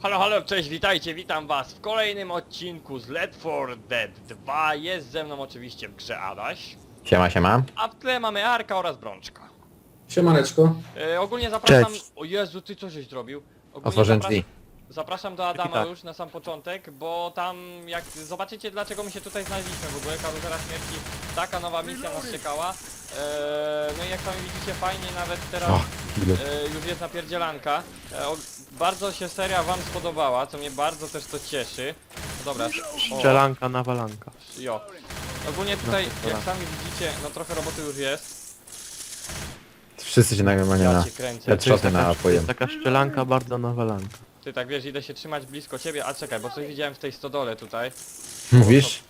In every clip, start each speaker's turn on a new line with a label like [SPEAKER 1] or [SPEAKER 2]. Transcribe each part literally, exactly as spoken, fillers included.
[SPEAKER 1] Halo, halo, cześć, witajcie, witam was w kolejnym odcinku z Left four Dead dwa. Jest ze mną oczywiście w grze Adaś,
[SPEAKER 2] Siema, siema.
[SPEAKER 1] a w tle mamy Arka oraz Brączka.
[SPEAKER 3] Siemaneczko.
[SPEAKER 1] E, ogólnie zapraszam...
[SPEAKER 2] Cześć.
[SPEAKER 1] O Jezu, ty co żeś zrobił? Ogólnie
[SPEAKER 2] Otworzyłem
[SPEAKER 1] zapras-
[SPEAKER 2] drzwi.
[SPEAKER 1] Zapraszam do Adama
[SPEAKER 2] tak.
[SPEAKER 1] już na sam początek, bo tam jak zobaczycie dlaczego my się tutaj znaleźliśmy w ogóle, Karuzela Śmierci, taka nowa misja nas czekała. E, no i jak sami widzicie fajnie nawet teraz...
[SPEAKER 2] O, ile.
[SPEAKER 1] E, już jest napierdzielanka. E, o, bardzo się seria wam spodobała, co mnie bardzo też to cieszy. No dobra, o,
[SPEAKER 4] Strzelanka, nawalanka.
[SPEAKER 1] jo. Ogólnie tutaj,
[SPEAKER 4] No,
[SPEAKER 1] jak
[SPEAKER 4] dobra.
[SPEAKER 1] sami widzicie, no trochę roboty już jest.
[SPEAKER 2] Wszyscy się nagrywali
[SPEAKER 1] Ja
[SPEAKER 2] na
[SPEAKER 1] cię kręcę.
[SPEAKER 2] headshoty
[SPEAKER 4] taka,
[SPEAKER 2] nałapują.
[SPEAKER 4] jest taka strzelanka, bardzo nawalanka.
[SPEAKER 1] Ty tak wiesz, idę się trzymać blisko ciebie, a czekaj, bo coś widziałem w tej stodole tutaj.
[SPEAKER 2] Mówisz?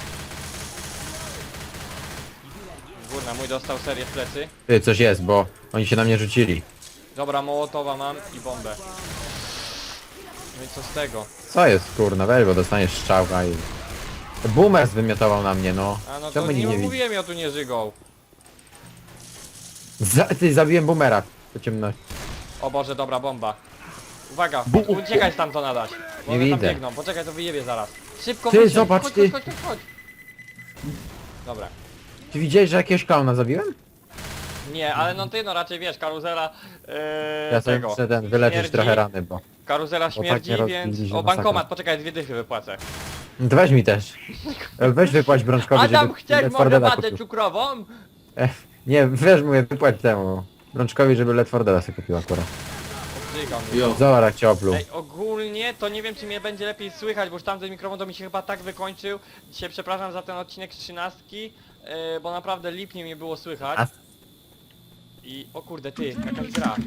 [SPEAKER 1] Górna, mój dostał serię w plecy.
[SPEAKER 2] Ty, coś jest, bo oni się na mnie rzucili.
[SPEAKER 1] Dobra, mołotowa mam i bombę. No i co z tego?
[SPEAKER 2] Co jest, kurna, weź, bo dostaniesz strzałka i... Boomer zwymiotował na mnie, no.
[SPEAKER 1] A no to
[SPEAKER 2] Czemu
[SPEAKER 1] nie,
[SPEAKER 2] nie widzi?
[SPEAKER 1] mówiłem, ja tu nie żygą.
[SPEAKER 2] Za, ty, zabiłem boomera. Po ciemności.
[SPEAKER 1] O Boże, dobra, bomba. Uwaga,
[SPEAKER 2] Bu-
[SPEAKER 1] uciekaj stamtąd Adaś. Bo
[SPEAKER 2] Nie
[SPEAKER 1] one tam
[SPEAKER 2] widzę.
[SPEAKER 1] biegną, poczekaj, to wyjebie zaraz. Szybko
[SPEAKER 2] Ty,
[SPEAKER 1] wysiądź,
[SPEAKER 2] zobacz,
[SPEAKER 1] chodź,
[SPEAKER 2] ty.
[SPEAKER 1] chodź, chodź, chodź, chodź. Dobra.
[SPEAKER 2] Ty widziałeś, że jakiegoś klauna zabiłem?
[SPEAKER 1] Nie, ale no ty no raczej wiesz, karuzela yy,
[SPEAKER 2] Ja sobie
[SPEAKER 1] tego.
[SPEAKER 2] muszę ten, wyleczyć
[SPEAKER 1] śmierdzi.
[SPEAKER 2] trochę rany, bo...
[SPEAKER 1] Karuzela
[SPEAKER 2] tak
[SPEAKER 1] śmierdzi,
[SPEAKER 2] nie
[SPEAKER 1] więc...
[SPEAKER 2] rozbiliśmy
[SPEAKER 1] O,
[SPEAKER 2] masakra.
[SPEAKER 1] bankomat, poczekaj, dwie dychy wypłacę.
[SPEAKER 2] No to weź mi też. E, Weź wypłać Brączkowi,
[SPEAKER 1] Adam,
[SPEAKER 2] żeby...
[SPEAKER 1] chcesz
[SPEAKER 2] Left
[SPEAKER 1] może
[SPEAKER 2] four Deada
[SPEAKER 1] watę
[SPEAKER 2] kupił.
[SPEAKER 1] cukrową?
[SPEAKER 2] E, nie, wiesz, mówię, wypłać temu. Brączkowi, żeby Left four Deada sobie kupił akurat.
[SPEAKER 1] Obrzygał mnie.
[SPEAKER 3] Jo.
[SPEAKER 2] Zobacz, jak cię opluł.
[SPEAKER 1] Ej, ogólnie to nie wiem czy mnie będzie lepiej słychać, bo już tamten mikrofon to mi się chyba tak wykończył. Dzisiaj przepraszam za ten odcinek z trzynastki, yy, bo naprawdę lipnie mnie było słychać.
[SPEAKER 2] A-
[SPEAKER 1] I o kurde ty, jakaś gra.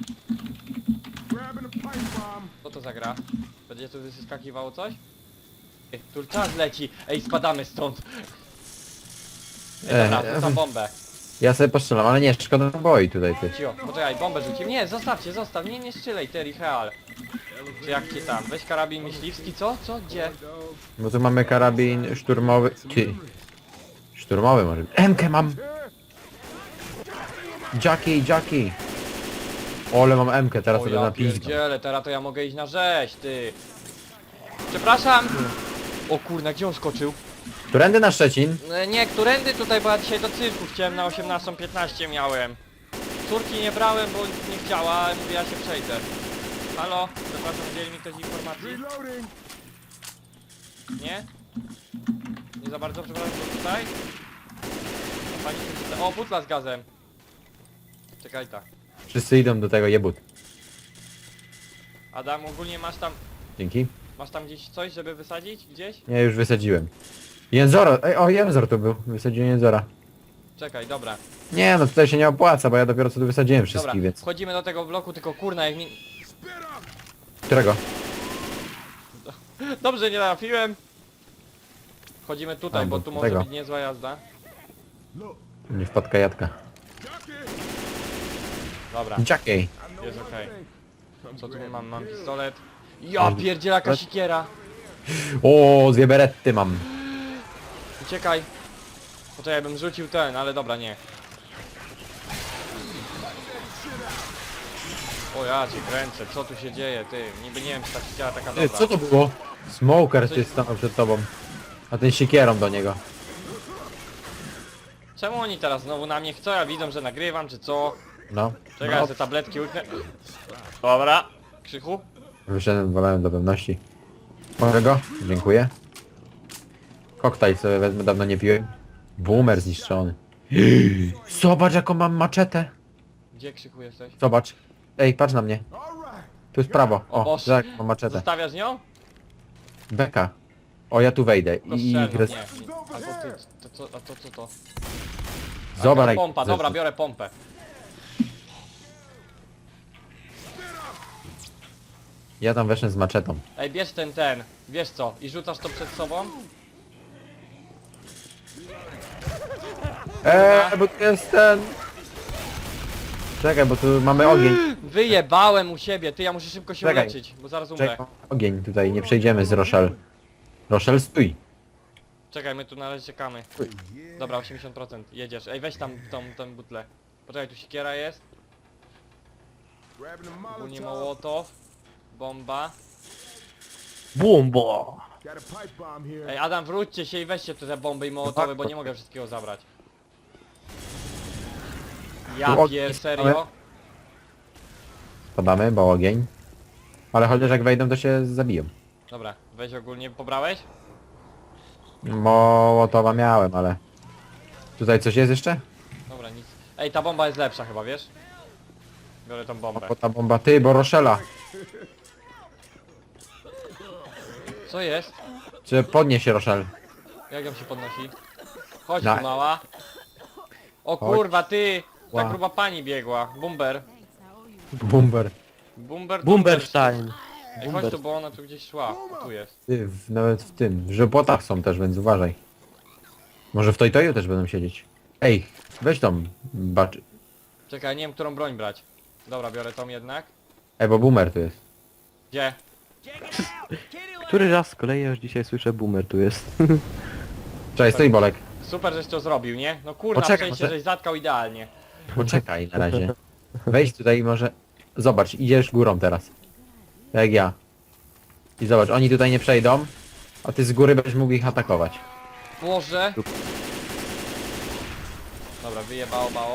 [SPEAKER 1] Co to za gra? Będzie tu wyskakiwało coś? Ej, tu czas leci. Ej, spadamy stąd. Ej, dobra,
[SPEAKER 2] Ej,
[SPEAKER 1] rzucam bombę.
[SPEAKER 2] Ja sobie postrzelam, ale nie, szkoda naboi tutaj, ty.
[SPEAKER 1] Cio, poczekaj, bombę rzuciłem. Nie, zostawcie, zostaw, nie, nie strzelaj, Terry Real. Czy jak cię tam? Weź karabin myśliwski, co? Co? Gdzie?
[SPEAKER 2] Bo tu mamy karabin szturmowy. Ty. Szturmowy może być. M K mam! Jackie, Jackie! Ole, mam M K, teraz
[SPEAKER 1] O
[SPEAKER 2] sobie
[SPEAKER 1] ja
[SPEAKER 2] napiskam.
[SPEAKER 1] pierdzielę, teraz to ja mogę iść na rzeź, ty. Przepraszam. O kurna, gdzie on skoczył?
[SPEAKER 2] Którędy na Szczecin?
[SPEAKER 1] E, Nie, którędy tutaj, bo ja dzisiaj do cyrku chciałem na osiemnastą piętnaście miałem. Córki nie brałem, bo nie chciała, ale mówię, ja się przejdę. Halo? Przepraszam, udzieli mi ktoś informacji? Nie? Nie za bardzo, przepraszam, to tutaj? A pani tu tutaj. O, butla z gazem. Czekaj ta.
[SPEAKER 2] Wszyscy idą do tego jebut.
[SPEAKER 1] Adam, ogólnie masz tam,
[SPEAKER 2] Dzięki.
[SPEAKER 1] masz tam gdzieś coś, żeby wysadzić? Gdzieś?
[SPEAKER 2] Nie, już wysadziłem. Jęzora, ej, o, Jęzor tu był. Wysadziłem Jęzora.
[SPEAKER 1] Czekaj, dobra.
[SPEAKER 2] Nie, no tutaj się nie opłaca, bo ja dopiero co tu wysadziłem
[SPEAKER 1] Dobra,
[SPEAKER 2] wszystkich, więc...
[SPEAKER 1] wchodzimy do tego bloku, tylko kurna jak mi...
[SPEAKER 2] Którego?
[SPEAKER 1] Dobrze, nie trafiłem. Wchodzimy tutaj,
[SPEAKER 2] A,
[SPEAKER 1] bo
[SPEAKER 2] bo
[SPEAKER 1] tu może
[SPEAKER 2] tego.
[SPEAKER 1] być niezła jazda.
[SPEAKER 2] Nie wpadka jadka.
[SPEAKER 1] Dobra,
[SPEAKER 2] Jackie.
[SPEAKER 1] jest okej. Co tu mam? Mam pistolet. Ja pierdziela jaka sikiera.
[SPEAKER 2] O, dwie beretty mam.
[SPEAKER 1] Uciekaj. Poczekaj, bym rzucił ten, ale dobra, nie. O ja cię kręcę, co tu się dzieje, ty? Niby nie wiem, czy ta sikiera taka
[SPEAKER 2] Ty,
[SPEAKER 1] dobra.
[SPEAKER 2] co to było? Smoker ty stanął przed tobą. A ten siekierą do niego.
[SPEAKER 1] Czemu oni teraz znowu na mnie chcą? Ja widzą, że nagrywam, czy co?
[SPEAKER 2] No.
[SPEAKER 1] Czekaj, ja
[SPEAKER 2] no.
[SPEAKER 1] te tabletki łyknę. Dobra. Krzychu?
[SPEAKER 2] Wyszedłem, wolałem do pewności. Mogę go? Dziękuję. Koktajl sobie wezmę, dawno nie piłem. Boomer zniszczony. Zobacz jaką mam maczetę.
[SPEAKER 1] Gdzie Krzychu jesteś?
[SPEAKER 2] Zobacz. Ej, patrz na mnie. Tu jest prawo.
[SPEAKER 1] O
[SPEAKER 2] O,
[SPEAKER 1] Boże.
[SPEAKER 2] tak, mam maczetę.
[SPEAKER 1] Zostawiasz nią?
[SPEAKER 2] Beka. O, ja tu wejdę.
[SPEAKER 1] To
[SPEAKER 2] I...
[SPEAKER 1] strzelną,
[SPEAKER 2] gres-
[SPEAKER 1] nie. Albo ty, to co, a to co to?
[SPEAKER 2] Zobacz
[SPEAKER 1] Jaka
[SPEAKER 2] jak...
[SPEAKER 1] pompa, dobra, biorę pompę.
[SPEAKER 2] Ja tam weszłem z maczetą.
[SPEAKER 1] Ej, bierz ten, ten, wiesz co, i rzucasz to przed sobą?
[SPEAKER 2] Eee, bo tu jest ten... Czekaj, bo tu mamy ogień.
[SPEAKER 1] Wyjebałem u siebie, ty, ja muszę szybko się
[SPEAKER 2] Czekaj.
[SPEAKER 1] uleczyć, bo zaraz umrę.
[SPEAKER 2] Czekaj, ogień tutaj, nie przejdziemy z Rochelle. Rochelle, stój.
[SPEAKER 1] Czekaj, my tu na razie czekamy. Dobra, osiemdziesiąt procent, jedziesz. Ej, weź tam tą, tą butlę. Poczekaj, tu siekiera jest. Ogólnie mołotow. Bomba.
[SPEAKER 4] Bomba!
[SPEAKER 1] Ej, Adam, wróćcie się i weźcie tu te bomby i mołotowy,
[SPEAKER 2] tak,
[SPEAKER 1] bo
[SPEAKER 2] to-
[SPEAKER 1] nie mogę wszystkiego zabrać.
[SPEAKER 2] Tu
[SPEAKER 1] Ja
[SPEAKER 2] ogień
[SPEAKER 1] pier,
[SPEAKER 2] mamy.
[SPEAKER 1] serio?
[SPEAKER 2] Podamy, bo ogień. Ale chociaż jak wejdą, to się zabiją.
[SPEAKER 1] Dobra, weź ogólnie, pobrałeś?
[SPEAKER 2] Mołotowa miałem, ale... Tutaj coś jest jeszcze?
[SPEAKER 1] Dobra, nic. Ej, ta bomba jest lepsza chyba, wiesz? Biorę tą bombę.
[SPEAKER 2] Bo ta bomba, ty, bo Roszela.
[SPEAKER 1] Co jest?
[SPEAKER 2] Czy podnieś się, Roszel?
[SPEAKER 1] Jak ją się podnosi? Chodź
[SPEAKER 2] Na-
[SPEAKER 1] tu mała. O
[SPEAKER 2] Chodź.
[SPEAKER 1] kurwa, ty! Ta
[SPEAKER 2] Ła.
[SPEAKER 1] gruba pani biegła. Bumber.
[SPEAKER 2] Bumber.
[SPEAKER 1] Bumber.
[SPEAKER 4] Bumberstein!
[SPEAKER 1] Ej, chodź tu, bo ona tu gdzieś szła. O, tu jest.
[SPEAKER 2] Ty, w, nawet w tym, w żepłotach są też, więc uważaj. Może w Toytoju też będą siedzieć. Ej, weź tą bacz...
[SPEAKER 1] Czekaj, nie wiem, którą broń brać. Dobra, biorę tą jednak.
[SPEAKER 2] Ej, bo boomer tu jest.
[SPEAKER 1] Gdzie?
[SPEAKER 4] Który raz z kolei już dzisiaj słyszę boomer tu jest.
[SPEAKER 2] Cześć, stój Bolek.
[SPEAKER 1] Super, żeś to zrobił, nie? No kurna,
[SPEAKER 2] Poczekaj,
[SPEAKER 1] przejście,
[SPEAKER 2] może-
[SPEAKER 1] żeś zatkał idealnie.
[SPEAKER 2] Poczekaj na razie. Wejdź tutaj i może... Zobacz, idziesz górą teraz. Jak ja. I zobacz, oni tutaj nie przejdą, a ty z góry będziesz mógł ich atakować.
[SPEAKER 1] Boże. Dobra, wyjebało, bało.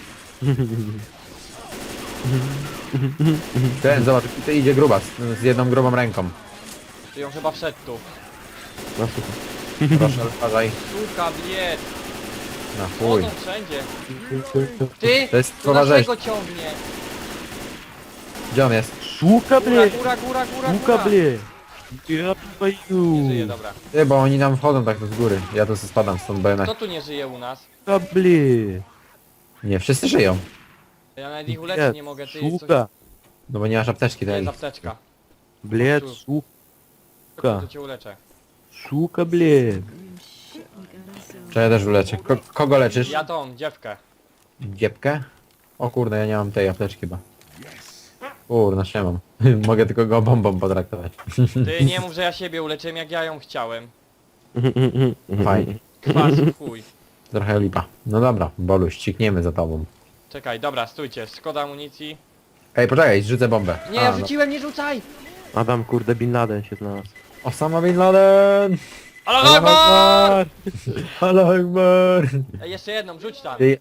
[SPEAKER 2] Ten, zobacz, tutaj idzie grubas z jedną grubą ręką.
[SPEAKER 1] Ty ją chyba wszedł tu.
[SPEAKER 4] No słuchaj.
[SPEAKER 2] Proszę, uważaj.
[SPEAKER 1] Suka, bied.
[SPEAKER 2] Na chuj.
[SPEAKER 1] Chodzą wszędzie. Ty!
[SPEAKER 2] To jest
[SPEAKER 1] Tu
[SPEAKER 2] słowa rzeź.
[SPEAKER 1] naszego ciągnie.
[SPEAKER 2] Gdzie on jest?
[SPEAKER 4] Suka
[SPEAKER 1] Góra,
[SPEAKER 4] ble!
[SPEAKER 1] góra, góra, góra,
[SPEAKER 4] Suka
[SPEAKER 1] góra.
[SPEAKER 4] ble! Ja paju!
[SPEAKER 1] Nie żyje, dobra.
[SPEAKER 2] Ty, bo oni nam wchodzą tak z góry. Ja to sobie spadam stąd, bo jednak...
[SPEAKER 1] Kto tu nie żyje u nas?
[SPEAKER 4] Suka ble!
[SPEAKER 2] Nie, wszyscy żyją.
[SPEAKER 1] Ja nawet ich uleczyć nie mogę, ty coś...
[SPEAKER 4] Suka!
[SPEAKER 2] No bo nie masz apteczki,
[SPEAKER 1] To
[SPEAKER 2] tak?
[SPEAKER 1] jest apteczka.
[SPEAKER 4] Ble,
[SPEAKER 1] Tu.
[SPEAKER 4] suka!
[SPEAKER 1] To cię uleczę.
[SPEAKER 4] Suka ble!
[SPEAKER 2] Czy ja też uleczę. Ko kogo leczysz?
[SPEAKER 1] Ja tą, dziewkę.
[SPEAKER 2] Dziepkę? O kurde, ja nie mam tej apteczki chyba. Kurna, się mam. Mogę tylko go bombą potraktować.
[SPEAKER 1] Ty nie mów, że ja siebie uleczyłem, jak ja ją chciałem.
[SPEAKER 2] Fajnie.
[SPEAKER 1] Kwas w chuj.
[SPEAKER 2] Trochę lipa. No dobra, Boluś, ścikniemy za tobą.
[SPEAKER 1] Czekaj, dobra, stójcie, szkoda amunicji.
[SPEAKER 2] Ej, poczekaj, rzucę bombę.
[SPEAKER 1] Nie,
[SPEAKER 2] A,
[SPEAKER 1] ja
[SPEAKER 2] no.
[SPEAKER 1] rzuciłem, nie rzucaj!
[SPEAKER 4] Adam kurde Bin Laden się znalazł.
[SPEAKER 2] Osama Bin Laden!
[SPEAKER 1] Allah Akbar!
[SPEAKER 2] Allah Akbar!
[SPEAKER 1] Ej, jeszcze jedną, rzuć tam.
[SPEAKER 2] Ej,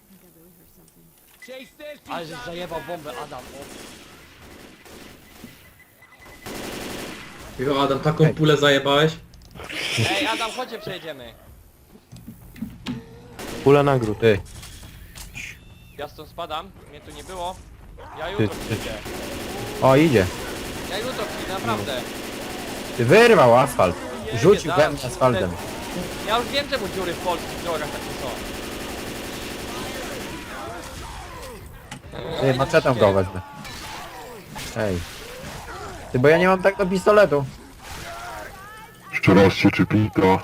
[SPEAKER 1] Ale żeś zajebał bombę, Adam. O.
[SPEAKER 3] Jo, Adam, taką pulę zajebałeś?
[SPEAKER 1] Ej, Adam, chodźcie, przejedziemy.
[SPEAKER 4] Pula nagród.
[SPEAKER 2] Ty,
[SPEAKER 1] Ja stąd spadam, mnie tu nie było. Ja
[SPEAKER 2] ty,
[SPEAKER 1] jutro
[SPEAKER 2] ty.
[SPEAKER 1] przyjdę.
[SPEAKER 2] O, idzie.
[SPEAKER 1] Ja jutro przyjdę, naprawdę.
[SPEAKER 2] Ty wyrwał asfalt.
[SPEAKER 1] Jebie,
[SPEAKER 2] Rzucił we
[SPEAKER 1] zaraz
[SPEAKER 2] mnie
[SPEAKER 1] się
[SPEAKER 2] asfaltem.
[SPEAKER 1] te- Ja już wiem, czemu dziury w polskich drogach takie są.
[SPEAKER 2] Ty, maczetą go wezmę. Ej. Ty, bo ja nie mam tak do pistoletu.
[SPEAKER 5] Jeszcze raz się czypita.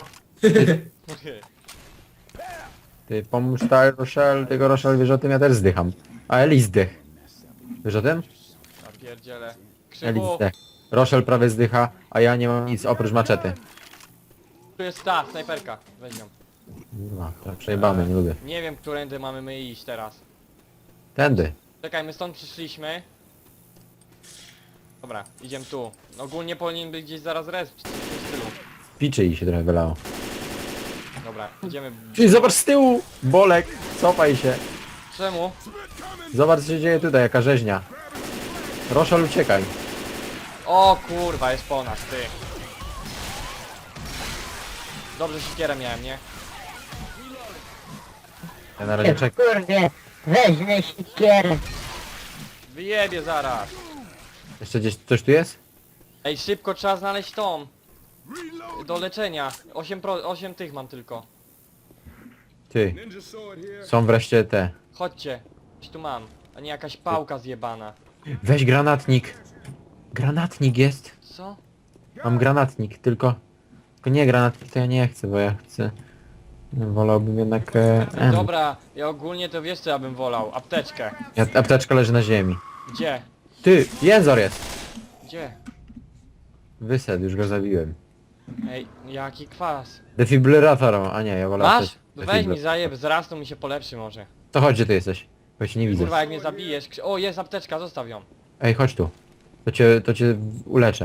[SPEAKER 2] Ty, pomóż ta Rochelle, tego Rochelle wiesz o tym, ja też zdycham. A Eli zdech. Wiesz o tym?
[SPEAKER 1] Ja pierdzielę.
[SPEAKER 2] Eli
[SPEAKER 1] Krzyku,
[SPEAKER 2] zdech. Rochelle prawie zdycha, a ja nie mam nic oprócz maczety.
[SPEAKER 1] tu jest ta, snajperka. Weź ją.
[SPEAKER 2] Kurwa, to przejebane, nie lubię.
[SPEAKER 1] Nie wiem, którędy mamy my iść teraz.
[SPEAKER 2] Tędy.
[SPEAKER 1] Czekaj, my stąd przyszliśmy. Dobra, idziemy tu. Ogólnie powinien być gdzieś zaraz res, czy coś w tym stylu.
[SPEAKER 2] Piczy jej się trochę wylało.
[SPEAKER 1] Dobra, idziemy.
[SPEAKER 2] Ty, zobacz z tyłu! Bolek, cofaj się.
[SPEAKER 1] Czemu?
[SPEAKER 2] Zobacz co się dzieje tutaj, jaka rzeźnia. Rochelle, uciekaj.
[SPEAKER 1] O kurwa, jest po nas, ty. Dobrze siekierę miałem, nie?
[SPEAKER 2] Ja na razie czekam.
[SPEAKER 6] Kurde, weźmie siekierę.
[SPEAKER 1] Wyjebie zaraz.
[SPEAKER 2] Jeszcze gdzieś coś tu jest?
[SPEAKER 1] Ej, szybko trzeba znaleźć tą. Do leczenia. osiem, pro, osiem tych mam tylko.
[SPEAKER 2] Ty. Są wreszcie te.
[SPEAKER 1] Chodźcie. Coś tu mam. A nie jakaś pałka zjebana.
[SPEAKER 2] Weź granatnik. Granatnik jest.
[SPEAKER 1] Co?
[SPEAKER 2] Mam granatnik, tylko... Tylko nie granatnik to ja nie chcę, bo ja chcę... Wolałbym jednak... E, M.
[SPEAKER 1] Dobra, ja ogólnie to wiesz co ja bym wolał. Apteczkę.
[SPEAKER 2] Ja, apteczka leży na ziemi.
[SPEAKER 1] Gdzie?
[SPEAKER 2] Ty, jęzor jest!
[SPEAKER 1] Gdzie?
[SPEAKER 2] Wysedł, już go zabiłem.
[SPEAKER 1] Ej, jaki kwas.
[SPEAKER 2] Defibrylator, a nie, ja wolę...
[SPEAKER 1] Masz?
[SPEAKER 2] apteczkę.
[SPEAKER 1] Weź mi
[SPEAKER 2] Defibrylator.
[SPEAKER 1] zajeb, zrastu mi się polepszy może.
[SPEAKER 2] To chodź, gdzie ty jesteś? Bo ja cię nie widzę.
[SPEAKER 1] Kurwa, jak mnie zabijesz. krzy- O, jest apteczka, zostaw ją.
[SPEAKER 2] Ej, chodź tu. To cię, to cię uleczę.
[SPEAKER 1] No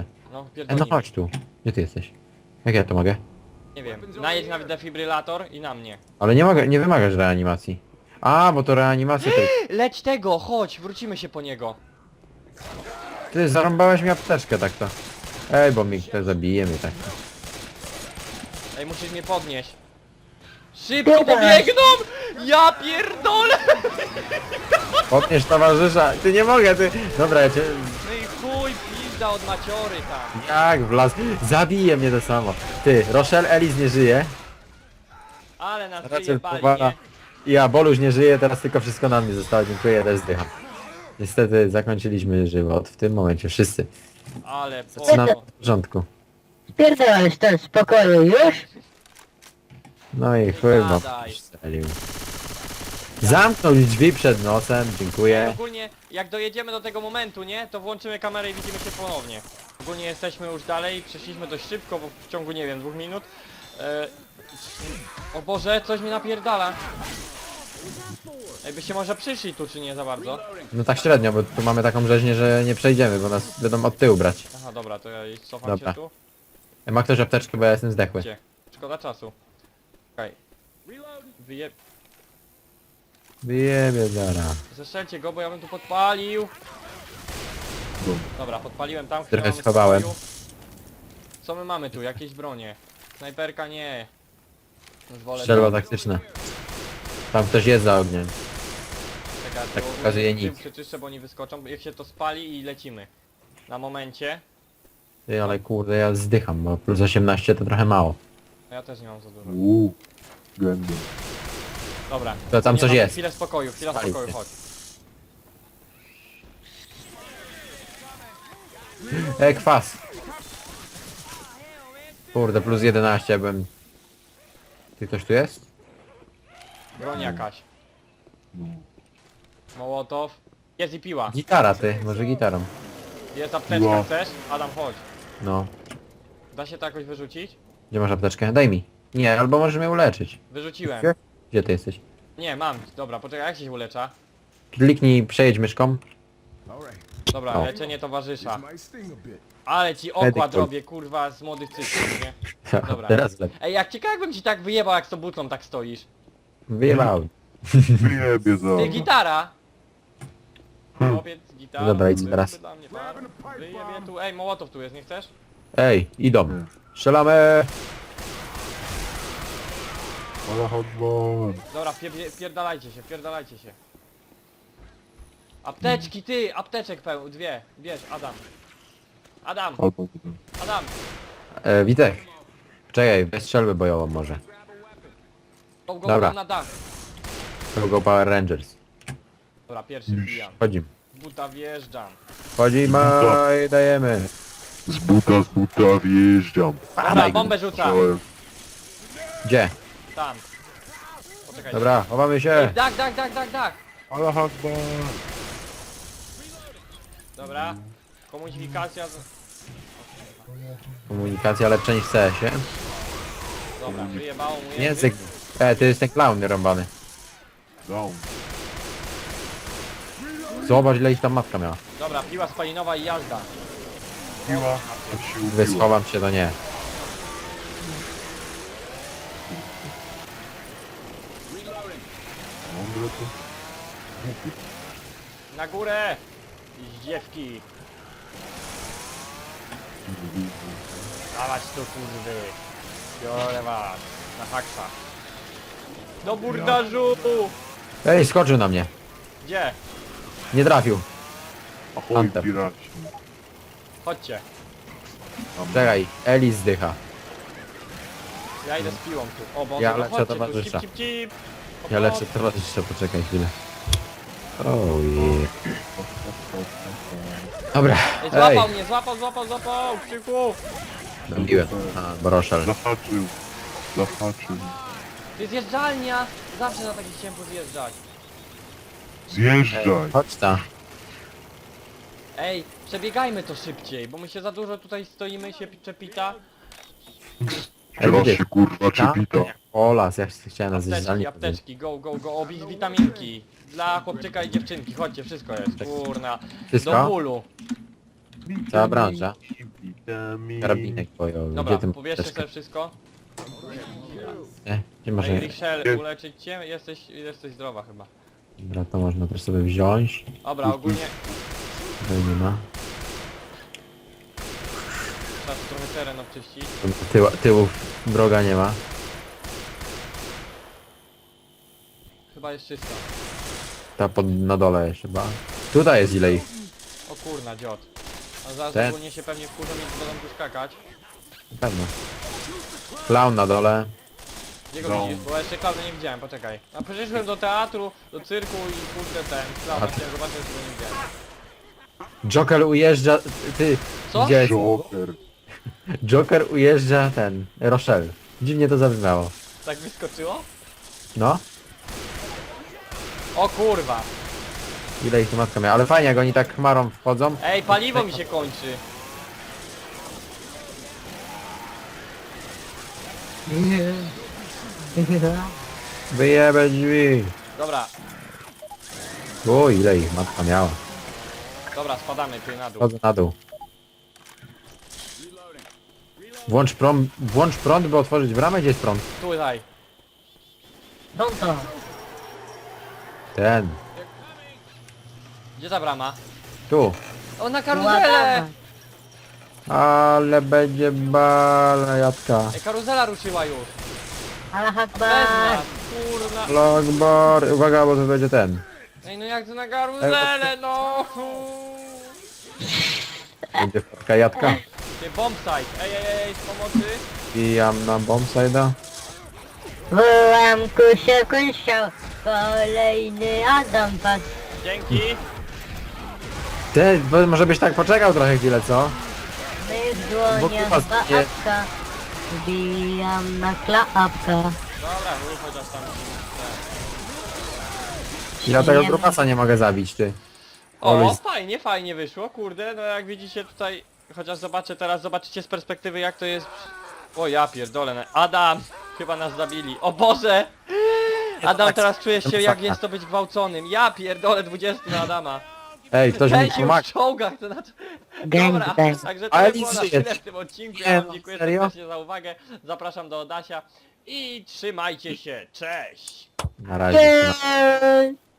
[SPEAKER 1] No,
[SPEAKER 2] E, no
[SPEAKER 1] pierdolnij.
[SPEAKER 2] chodź tu. Gdzie ty jesteś? Jak ja to mogę?
[SPEAKER 1] Nie wiem, najedź na defibrylator i na mnie.
[SPEAKER 2] Ale nie mogę, nie wymagasz reanimacji. A, bo to reanimacja to...
[SPEAKER 1] Leć tego, chodź, wrócimy się po niego.
[SPEAKER 2] Ty zarąbałeś mi apteczkę tak to. Ej, bo mi ktoś zabije mnie tak.
[SPEAKER 1] Ej, musisz mnie podnieść. Szybko pobiegną! Ja pierdolę!
[SPEAKER 2] Podnieś towarzysza. Ty nie mogę, ty... Dobra, ja cię...
[SPEAKER 1] No i chuj, pizda od maciory tam.
[SPEAKER 2] Jak wlazł? Zabije mnie to samo. Ty, Rochelle Ellis nie żyje.
[SPEAKER 1] Ale nas
[SPEAKER 2] Racel
[SPEAKER 1] wyjebali,
[SPEAKER 2] powala.
[SPEAKER 1] nie?
[SPEAKER 2] I ja, Boluś nie żyje, teraz tylko wszystko na mnie zostało. Dziękuję, też zdycham. Niestety zakończyliśmy żywot w tym momencie, wszyscy.
[SPEAKER 1] Ale
[SPEAKER 2] Zaczynamy
[SPEAKER 1] po...
[SPEAKER 2] od początku.
[SPEAKER 6] Spierdalałeś to z pokoju już?
[SPEAKER 2] No i chuj, bo
[SPEAKER 1] gadaj.
[SPEAKER 2] strzelił. Zamknął drzwi przed nosem, dziękuję.
[SPEAKER 1] Ogólnie, jak dojedziemy do tego momentu, nie? To włączymy kamerę i widzimy się ponownie. Ogólnie jesteśmy już dalej, przeszliśmy dość szybko, bo w ciągu, nie wiem, dwóch minut. E... O Boże, coś mi napierdala. Ej, byście może przyszli tu, czy nie za bardzo?
[SPEAKER 2] No tak średnio, bo tu mamy taką rzeźnię, że nie przejdziemy, bo nas będą od tyłu brać.
[SPEAKER 1] Aha, dobra, to ja cofam
[SPEAKER 2] Dobra.
[SPEAKER 1] się tu.
[SPEAKER 2] Ma ktoś apteczkę, bo ja jestem zdechły.
[SPEAKER 1] Gdzie? Szkoda czasu. Okej. Wyje...
[SPEAKER 2] Wyjebie zara.
[SPEAKER 1] Zestrzelcie go, bo ja bym tu podpalił. Dobra, podpaliłem tam,
[SPEAKER 2] Trochę
[SPEAKER 1] mamy
[SPEAKER 2] schowałem.
[SPEAKER 1] spokoju. Co my mamy tu? Jakieś bronie? Snajperka nie. Już wolę
[SPEAKER 2] Strzelba
[SPEAKER 1] to.
[SPEAKER 2] taktyczna. Tam ktoś jest za ogniem.
[SPEAKER 1] Czekaj,
[SPEAKER 2] tak
[SPEAKER 1] tu
[SPEAKER 2] pokazuje
[SPEAKER 1] tym
[SPEAKER 2] nic.
[SPEAKER 1] Przeczyszczę, bo oni wyskoczą, jak się to spali i lecimy. Na momencie.
[SPEAKER 2] Ty, ale kurde, ja zdycham, bo plus osiemnaście to trochę mało.
[SPEAKER 1] No ja też nie mam za dużo.
[SPEAKER 5] Uuu. Gęby.
[SPEAKER 1] Dobra.
[SPEAKER 2] To tam
[SPEAKER 1] Nie,
[SPEAKER 2] coś
[SPEAKER 1] no,
[SPEAKER 2] jest.
[SPEAKER 1] Chwilę spokoju, chwila
[SPEAKER 2] Spali
[SPEAKER 1] spokoju,
[SPEAKER 2] się.
[SPEAKER 1] chodź.
[SPEAKER 2] Ej, kwas. Kurde, plus jedenaście byłem... Ty ktoś tu jest?
[SPEAKER 1] Broń jakaś. Mołotow. Jest i piła.
[SPEAKER 2] Gitara ty, może gitarą.
[SPEAKER 1] Jest apteczka,
[SPEAKER 5] No.
[SPEAKER 1] chcesz? Adam, chodź.
[SPEAKER 2] No.
[SPEAKER 1] Da się to jakoś wyrzucić?
[SPEAKER 2] Gdzie masz apteczkę? Daj mi. Nie, albo możesz mnie uleczyć.
[SPEAKER 1] Wyrzuciłem.
[SPEAKER 2] Gdzie? Gdzie ty jesteś?
[SPEAKER 1] Nie, mam. Dobra, poczekaj, jak się ulecza?
[SPEAKER 2] Kliknij, przejedź myszką.
[SPEAKER 1] Dobra,
[SPEAKER 2] O.
[SPEAKER 1] leczenie towarzysza. Ale ci okład
[SPEAKER 2] Medical.
[SPEAKER 1] robię, kurwa, z młodych cyklów, nie? Dobra.
[SPEAKER 2] Teraz lepiej.
[SPEAKER 1] Ej, jak ciekawe jakbym ci tak wyjebał, jak z tą butlą tak stoisz.
[SPEAKER 2] Wyjebałem.
[SPEAKER 5] Wyjebie za.
[SPEAKER 1] Ty, gitara! Chłopiec, gitara.
[SPEAKER 2] Dobra, idź
[SPEAKER 1] byłby
[SPEAKER 2] teraz.
[SPEAKER 1] dla mnie par. Wyjebie tu. Ej, Mołotow tu jest, nie chcesz?
[SPEAKER 2] Ej, idą. Strzelamy.
[SPEAKER 5] Ale hotman.
[SPEAKER 1] Dobra, pie pierdalajcie się, pierdalajcie się. Apteczki, ty! Apteczek pełno, dwie. Bierz, Adam. Adam,
[SPEAKER 5] Albo
[SPEAKER 1] Adam.
[SPEAKER 2] E, Witek. Czekaj, weź strzelbę bojową może.
[SPEAKER 1] Go, go,
[SPEAKER 2] Dobra.
[SPEAKER 1] go na dach.
[SPEAKER 2] Go, go Power Rangers.
[SPEAKER 1] Dobra, pierwszy wbijam.
[SPEAKER 2] Wchodzimy.
[SPEAKER 1] Z buta wjeżdżam.
[SPEAKER 2] Wchodzimy i dajemy.
[SPEAKER 5] z buta, z buta wjeżdżam.
[SPEAKER 1] Dobra, bombę rzucam.
[SPEAKER 5] Czołem.
[SPEAKER 2] Gdzie?
[SPEAKER 1] Tam. Poczekaj.
[SPEAKER 2] Dobra, chowamy
[SPEAKER 1] Ej,
[SPEAKER 2] się.
[SPEAKER 1] dach, dach, dach, dach, dach.
[SPEAKER 5] Ale hotman.
[SPEAKER 1] Dobra. Komunikacja z...
[SPEAKER 2] Komunikacja lepsza niż w C S-ie.
[SPEAKER 1] Dobra, wyjebało mu język.
[SPEAKER 2] Język. E, to jest ten clown rąbany.
[SPEAKER 5] Down.
[SPEAKER 2] Zobacz ile ich tam matka miała.
[SPEAKER 1] Dobra, piła spalinowa i jazda.
[SPEAKER 5] Piła. Tak się
[SPEAKER 2] Gdy
[SPEAKER 5] upiła.
[SPEAKER 2] schowam się, to nie.
[SPEAKER 5] Mądre to.
[SPEAKER 1] Na górę! Zdziewki. Dawać tu kurwy. Biorę was. Na haksa. Do burdażu!
[SPEAKER 2] Ej, skoczył na mnie.
[SPEAKER 1] Gdzie?
[SPEAKER 2] Nie trafił.
[SPEAKER 5] Ahoj,
[SPEAKER 2] Anthem.
[SPEAKER 5] piraci.
[SPEAKER 1] Chodźcie.
[SPEAKER 2] Czekaj, Eli zdycha.
[SPEAKER 1] Ja idę z piłą tu. O, bo
[SPEAKER 2] Ja
[SPEAKER 1] no
[SPEAKER 2] leczę
[SPEAKER 1] chodźcie tu,
[SPEAKER 2] towarzysza.
[SPEAKER 1] cip, cip, cip.
[SPEAKER 2] Ja leczę towarzysza, poczekaj chwilę. Oh yeah. Dobra,
[SPEAKER 1] Ej,
[SPEAKER 2] ej,
[SPEAKER 1] złapał mnie, złapał, złapał, złapał! Krzyku!
[SPEAKER 2] dobiłem. A, Boroszel.
[SPEAKER 5] Zahaczył. Zahaczył.
[SPEAKER 1] To jest zjeżdżalnia! Zawsze na takich chciałem zjeżdżać.
[SPEAKER 5] Zjeżdżaj.
[SPEAKER 2] Chodź ta.
[SPEAKER 1] Ej, przebiegajmy to szybciej, bo my się za dużo tutaj stoimy, się czepita.
[SPEAKER 5] Teraz
[SPEAKER 2] widzisz,
[SPEAKER 5] się kurwa czepita.
[SPEAKER 2] O las, ja chciałem nas
[SPEAKER 1] Apteczki,
[SPEAKER 2] zjeżdżalnie.
[SPEAKER 1] apteczki, go, go, go, obić witaminki. Dla chłopczyka i dziewczynki, chodźcie, wszystko jest, kurna.
[SPEAKER 2] Wszystko?
[SPEAKER 1] Do bólu.
[SPEAKER 2] Cała branża. Karabinek bojowy.
[SPEAKER 1] Dobra,
[SPEAKER 2] Gdzie ty
[SPEAKER 1] pobierzcie
[SPEAKER 2] masz
[SPEAKER 1] sobie wszystko.
[SPEAKER 2] Nie, gdzie masz...
[SPEAKER 1] Ej, Richelle, uleczyć cię? Jesteś, jesteś zdrowa chyba.
[SPEAKER 2] Dobra, to można też sobie wziąć.
[SPEAKER 1] Dobra, ogólnie
[SPEAKER 2] Tutaj nie ma.
[SPEAKER 1] trzeba tu trochę teren obczyścić.
[SPEAKER 2] Tył, tyłów wroga nie ma.
[SPEAKER 1] Chyba jest czysto.
[SPEAKER 2] Ta pod, na dole jeszcze chyba. Tutaj jest ile ich.
[SPEAKER 1] O kurna, dziot. A zaraz
[SPEAKER 2] Ten.
[SPEAKER 1] ogólnie się pewnie wkurzą i będą tu skakać.
[SPEAKER 2] Na pewno. Clown na dole.
[SPEAKER 1] Gdzie go
[SPEAKER 5] No.
[SPEAKER 1] widzisz? Bo ja jeszcze klauna nie widziałem, poczekaj. A przyszedłem do teatru, do cyrku i kurde ten, klauna chciałem zobaczyć, że go nie widziałem.
[SPEAKER 2] Joker ujeżdża... Ty...
[SPEAKER 1] Co?
[SPEAKER 2] Gdzie?
[SPEAKER 5] Joker.
[SPEAKER 2] Joker ujeżdża ten... Rochelle. Dziwnie to zabrzmiało.
[SPEAKER 1] Tak wyskoczyło?
[SPEAKER 2] No.
[SPEAKER 1] O kurwa.
[SPEAKER 2] Ile ich tu matka miała. Ale fajnie jak oni tak chmarą wchodzą.
[SPEAKER 1] Ej, paliwo mi się kończy.
[SPEAKER 2] Wyjebę drzwi.
[SPEAKER 1] Dobra,
[SPEAKER 2] O, ile ich matka miała.
[SPEAKER 1] dobra, spadamy ty na dół.
[SPEAKER 2] Chodzę na dół. Włącz prąd, włącz prąd, by otworzyć bramę. Gdzie jest prąd?
[SPEAKER 1] Tutaj.
[SPEAKER 6] No to.
[SPEAKER 2] Ten.
[SPEAKER 1] Gdzie ta brama?
[SPEAKER 2] Tu.
[SPEAKER 1] O, na karuzelę!
[SPEAKER 2] Ale będzie balajatka.
[SPEAKER 1] Ej, karuzela ruszyła już.
[SPEAKER 6] Allah
[SPEAKER 1] Bez
[SPEAKER 6] Akbar.
[SPEAKER 1] nas, kurna.
[SPEAKER 2] Logbar. Uwaga, bo to będzie ten.
[SPEAKER 1] Ej, no jak to na karuzelę, no!
[SPEAKER 2] Będzie wpadka jadka.
[SPEAKER 1] Ty, bombsite. Ej, ej, ej, z pomocy.
[SPEAKER 2] Bijam na bombside'a.
[SPEAKER 6] Wołam kusia kusia. Kolejny Adam padł.
[SPEAKER 1] Dzięki.
[SPEAKER 2] Ty, bo może byś tak poczekał trochę chwilę, co?
[SPEAKER 6] My w
[SPEAKER 2] Bo
[SPEAKER 6] dłoniach
[SPEAKER 2] kupa
[SPEAKER 6] dwa
[SPEAKER 2] zginie.
[SPEAKER 6] apka. Wbijam na klapka.
[SPEAKER 1] Dobra, rób chociaż tam.
[SPEAKER 2] Ja tego
[SPEAKER 6] Nie.
[SPEAKER 2] grubasa nie mogę zabić, ty.
[SPEAKER 1] O,
[SPEAKER 2] Oluś.
[SPEAKER 1] fajnie, fajnie wyszło, kurde, no jak widzicie tutaj, chociaż zobaczę teraz, zobaczycie z perspektywy jak to jest. O ja pierdolę, no. Adam, chyba nas zabili, o Boże! Adam, teraz czujesz się jak jest to być gwałconym, ja pierdolę dwudziestu na Adama.
[SPEAKER 2] Ej, ktoś mi
[SPEAKER 1] Ten się już
[SPEAKER 2] pomaga.
[SPEAKER 1] w czołgach, to znaczy...
[SPEAKER 6] Gang,
[SPEAKER 1] Dobra,
[SPEAKER 6] gang.
[SPEAKER 1] także to
[SPEAKER 2] Ale
[SPEAKER 1] by było
[SPEAKER 2] nic
[SPEAKER 1] na
[SPEAKER 2] żyje.
[SPEAKER 1] tyle w tym odcinku,
[SPEAKER 2] Nie,
[SPEAKER 1] ja wam
[SPEAKER 2] no,
[SPEAKER 1] dziękuję
[SPEAKER 2] serio?
[SPEAKER 1] serdecznie za uwagę, zapraszam do Odasia i trzymajcie się, cześć!
[SPEAKER 2] Na razie.
[SPEAKER 6] Cześć.